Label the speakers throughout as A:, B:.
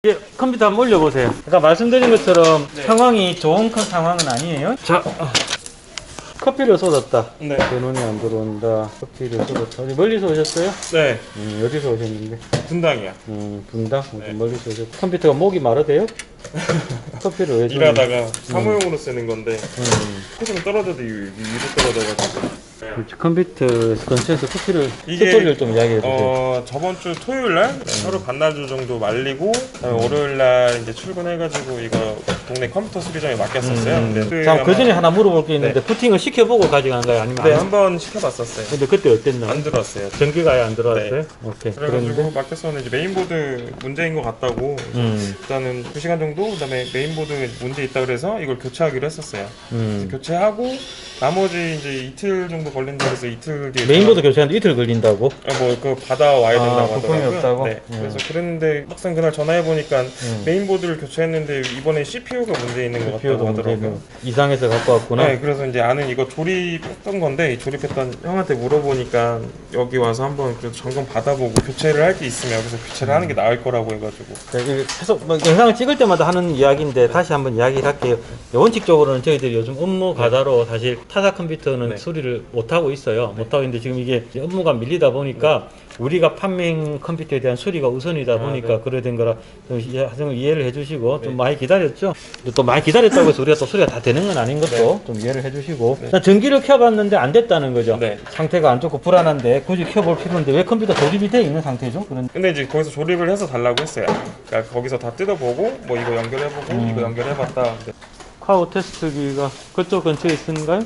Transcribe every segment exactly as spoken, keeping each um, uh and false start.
A: 예, 컴퓨터 한번 올려보세요. 아까 말씀드린 것처럼
B: 네.
A: 상황이 좋은 큰 상황은 아니에요. 자, 커피를 쏟았다.
B: 네.
A: 전원이 안 들어온다. 커피를 쏟았다. 어디 멀리서 오셨어요?
B: 네.
A: 음, 어디서 오셨는데?
B: 분당이야.
A: 음, 분당? 네.
B: 네.
A: 멀리서 오셨고. 컴퓨터가 목이 마르대요? 커피를 왜 좀...
B: 일하다가 사무용으로 쓰는 건데
A: 음.
B: 조금 떨어져도 위- 위로 떨어져가지고.
A: 그렇지. 컴퓨터 근처에서 커피를
B: 이게-
A: 스토리를 좀 이야기해보세요.
B: 어 저번 주 토요일 날 하루 반나절 정도 말리고 그다음에 월요일 날 이제 출근해가지고 이거 동네 컴퓨터 수리점에 맡겼었어요.
A: 음.
B: 근데
A: 자, 그
B: 아마-
A: 전에 하나 물어볼 게 있는데
B: 네.
A: 부팅을 시켜보고 가져간 거예요? 아니면
B: 네,
A: 안...
B: 한번 시켜봤었어요.
A: 근데 그때 어땠나?
B: 안 들어왔어요.
A: 전기가 아예 안 들어왔어요?
B: 네.
A: 오케이.
B: 그래가지고
A: 그런데
B: 맡겼었는데 이제 메인보드 문제인 것 같다고 그래서
A: 음.
B: 일단은 두 시간 정도 그다음에 메인보드 문제 있다 그래서 이걸 교체하기로 했었어요.
A: 음.
B: 교체하고 나머지 이제 이틀 정도 걸린다 그래서 이틀 뒤에
A: 메인보드 교체하는데 이틀 걸린다고?
B: 뭐그 받아와야
A: 아,
B: 된다고
A: 부품이
B: 하더라고요.
A: 없다고?
B: 네.
A: 음.
B: 그래서 그랬는데 막상 그날 전화해 보니까
A: 음.
B: 메인보드를 교체했는데 이번에 씨피유가 문제 있는 것
A: 비오도
B: 같다고 하더라고요.
A: 문제는 이상해서 갖고 왔구나.
B: 네, 그래서 이제 아는 이거 조립했던 건데 조립했던 형한테 물어보니까 여기 와서 한번 그래도 점검 받아보고 교체를 할 게 있으면 여기서 교체를 하는 게 나을 거라고 해가지고.
A: 네, 이게 계속 뭐 영상을 찍을 때마다 하는 이야기인데 다시 한번 이야기를 할게요. 원칙적으로는 저희들이 요즘 업무 과다로 사실 타사 컴퓨터는
B: 네.
A: 수리를 못하고 있어요. 못하고 있는데 지금 이게 이제 업무가 밀리다 보니까 우리가 판매형 컴퓨터에 대한 수리가 우선이다 보니까
B: 네.
A: 그래 된 거라 좀 이해- 좀 이해를 해주시고 좀 많이 기다렸죠. 근데 또 많이 기다렸다고 해서 우리가 또 수리가 다 되는 건 아닌 것도 좀 이해를 해주시고
B: 네.
A: 자, 전기를 켜봤는데 안 됐다는 거죠.
B: 네.
A: 상태가 안 좋고 불안한데 굳이 켜볼 필요인데 왜 컴퓨터 조립이 돼 있는 상태죠? 그런
B: 근데 이제 거기서 조립을 해서 달라고 했어요. 그러니까 거기서 다 뜯어보고 뭐 이거 연결해보고
A: 음.
B: 이거 연결해봤다. 근데
A: 카우 테스트기가 그쪽 근처에 있는가요?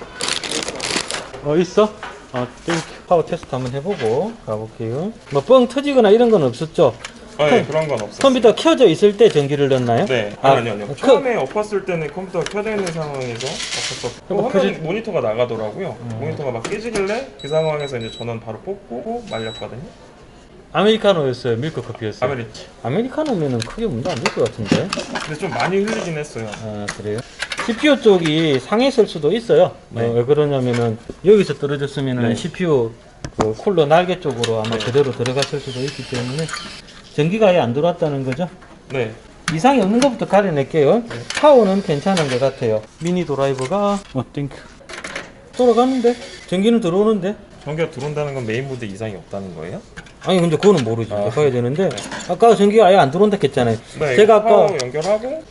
A: 어 있어? 어 땡큐. 카우 테스트 한번 해보고 가볼게요. 뭐 뻥 터지거나 이런 건 없었죠?
B: 아, 네, 그런 건 없었어요.
A: 컴퓨터 켜져 있을 때 전기를 넣나요?
B: 네,
A: 아,
B: 아니, 아니요.
A: 그-
B: 처음에 엎었을 때는 컴퓨터가 켜져 있는 상황에서 엎었었고
A: 그럼
B: 화면
A: 켜지-
B: 모니터가 나가더라고요.
A: 음.
B: 모니터가 막 깨지길래 그 상황에서 이제 전원 바로 뽑고 말렸거든요.
A: 아메리카노였어요? 밀크 커피였어요?
B: 아메리치.
A: 아메리카노면은 크게 문제 안 될 것 같은데?
B: 근데 좀 많이 흘리긴 했어요.
A: 아 그래요? 씨피유 쪽이 상했을 수도 있어요.
B: 네.
A: 어, 왜 그러냐면은 여기서 떨어졌으면은
B: 네.
A: 씨피유 그 쿨러 날개 쪽으로 아마
B: 네.
A: 그대로 들어갔을 수도 있기 때문에 전기가 아예 안 들어왔다는 거죠.
B: 네.
A: 이상이 없는 것부터 가려낼게요. 파워는 괜찮은 것 같아요. 미니 드라이버가 어 땡큐 돌아가는데 전기는 들어오는데
B: 전기가 들어온다는 건 메인보드 이상이 없다는 거예요?
A: 아니 근데 그거는 모르지.
B: 아.
A: 봐야 되는데 아까 전기가 아예 안 들어온다 했잖아요.
B: 네.
A: 제가 아까
B: 파워 연결하고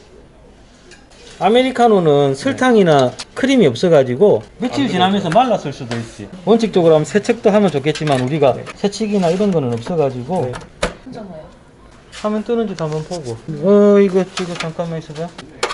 A: 아메리카노는 설탕이나 크림이 없어가지고 며칠
B: 안
A: 지나면서 말랐을 수도 있지. 원칙적으로 하면 세척도 하면 좋겠지만 우리가
B: 네.
A: 세척이나 이런 거는 없어가지고
B: 네.
C: 괜찮아요.
A: 화면 뜨는지도 한번 보고. 어 이거 이거 잠깐만 있어봐.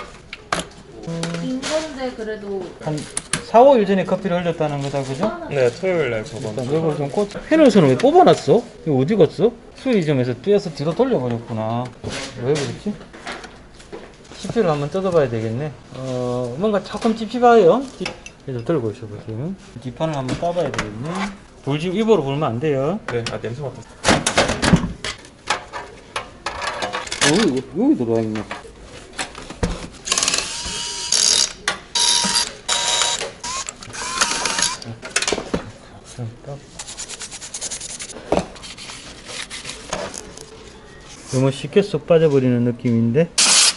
C: 빈 건데 그래도
A: 한 사, 오 일 전에 커피를 흘렸다는 거다 그죠?
B: 네, 토요일 날 저번
A: 일단
B: 주.
A: 이걸 좀 꽂. 패널선은 왜 뽑아놨어? 이거 어디 갔어? 수리점에서 떼어서 뒤로 돌려버렸구나. 왜 그랬지? 씨피유를 한번 뜯어봐야 되겠네. 어, 뭔가 조금 찝찝해요. 찝- 그래서 들고 있어보세요. 뒷판을 한번 따봐야 되겠네. 불 지금 입으로 불면 안 돼요.
B: 네, 아 냄새 맡았어.
A: 어, 여기, 여기 들어와 있네. 너무 쉽게 쏙 빠져버리는 느낌인데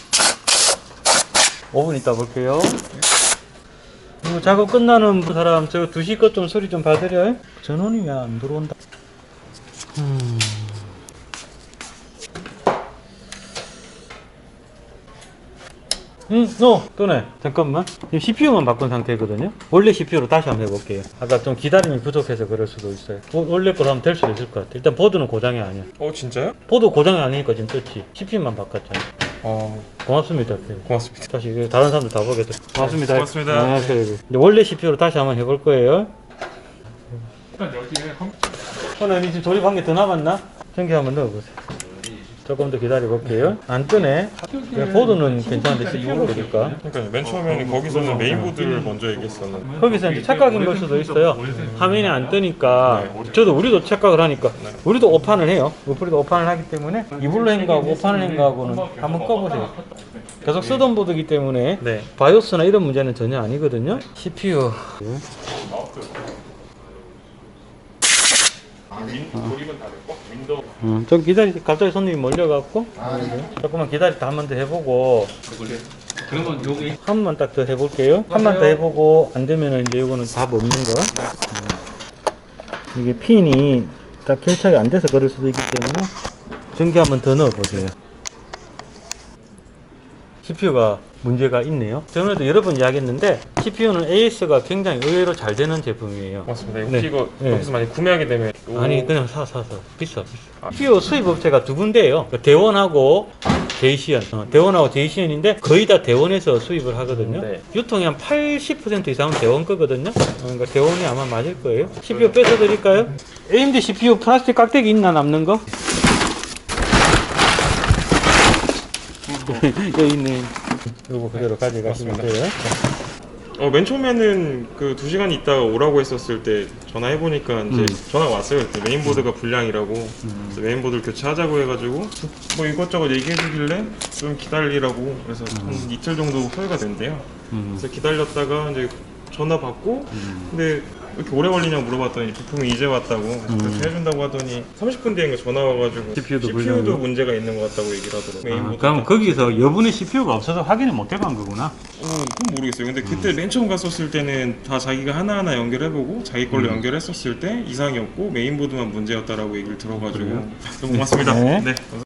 A: 오 분 있다 볼게요. 이거 작업 끝나는 사람 저 두 시 것 좀 소리 좀 봐드려요. 전원이 왜 안 들어온다. 음. 응, 너, 또네. 잠깐만. 지금 씨피유만 바꾼 상태거든요. 원래 씨피유로 다시 한번 해볼게요. 아까 좀 기다림이 부족해서 그럴 수도 있어요. 워- 원래 거로 하면 될 수도 있을 것 같아. 일단 보드는 고장이 아니야.
B: 어, 진짜요?
A: 보드 고장이 아니니까 지금 떴지. 씨피유만 바꿨잖아.
B: 어,
A: 고맙습니다.
B: 고맙습니다.
A: 다시 이거 다른 사람들 다 보겠다. 고맙습니다.
B: 고맙습니다.
A: 아, 그래, 그래. 이제 원래 씨피유로 다시 한번 해볼 거예요.
B: 일단 여기에 컴...
A: 오늘 지금 조립한 게 더 남았나? 전기 한번 넣어보세요. 조금 더 기다려 볼게요. 안 뜨네. 보드는 괜찮은데 씨피유로 될까?
B: 그러니까 맨 처음에는 거기서는 메인보드를 먼저 얘기했었는데.
A: 거기서 이제 착각인 걸 수도 있어요. 화면이 안 뜨니까. 저도 우리도 착각을 하니까. 우리도 오판을 해요. 우리도 오판을 하기 때문에 이불로 행가하고 오판을 행가하고는 한번 꺼보세요. 계속 쓰던 보드이기 때문에
B: 네.
A: 바이오스나 이런 문제는 전혀 아니거든요. 씨피유.
B: 조립은 다 됐고. 윈도우
A: 음, 좀 기다리, 갑자기 손님이 몰려갖고. 조금만 기다리다 한 번 더 해보고.
C: 그러면 여기
A: 한 번만 딱 더 해볼게요. 한 번 더 해보고, 안 되면은 이제 이거는 답 없는 거. 음. 이게 핀이 딱 결착이 안 돼서 그럴 수도 있기 때문에, 전기 한 번 더 넣어보세요. 씨피유가 문제가 있네요. 저번에도 여러 번 이야기했는데, 씨피유는 에이에스가 굉장히 의외로 잘 되는 제품이에요.
B: 맞습니다. 이거
A: 네.
B: 이거
A: 네.
B: 여기서 많이 구매하게 되면 요-
A: 아니, 그냥 사, 사, 사. 비싸, 비싸. 씨피유 수입 업체가 두 군데예요. 대원하고 제이시언. 어, 대원하고 제이시언인데 거의 다 대원에서 수입을 하거든요.
B: 네.
A: 유통이 한 팔십 퍼센트 이상은 대원 거거든요. 어, 그러니까 대원이 아마 맞을 거예요. 씨피유 뺏어 드릴까요? 에이엠디 씨피유 플라스틱 깍대기 있나 남는 거? 여기 있네. 요거 그대로 가져가시면 돼요.
B: 어, 맨 처음에는 그 두 시간 있다가 오라고 했었을 때 전화해 보니까 이제
A: 음.
B: 전화가 왔어요. 그때 메인보드가 불량이라고. 그래서 메인보드를 교체하자고 해가지고 뭐 이것저것 얘기해 주길래 좀 기다리라고 그래서 한 이틀 정도 소요가 된대요.
A: 음.
B: 그래서 기다렸다가 이제 전화 받고 근데 왜 이렇게 오래 걸리냐고 물어봤더니 부품이 이제 왔다고 그렇게 해준다고 하더니 삼십 분 뒤에 전화 와가지고
A: 씨피유도
B: 씨피유도
A: 불량이요?
B: 문제가 있는 것 같다고 얘기를 하더라고요.
A: 아,
B: 메인보드
A: 그럼 거기서 여분의 씨피유가 없어서 확인을 못 해간 거구나.
B: 어, 그건 모르겠어요. 근데 그때 맨 처음 갔었을 때는 다 자기가 하나하나 연결해보고 자기 걸로
A: 음.
B: 연결했었을 때 이상이 없고 메인보드만 문제였다라고 얘기를 들어가지고
A: 그래요?
B: 너무 고맙습니다.
A: 네.
B: 네.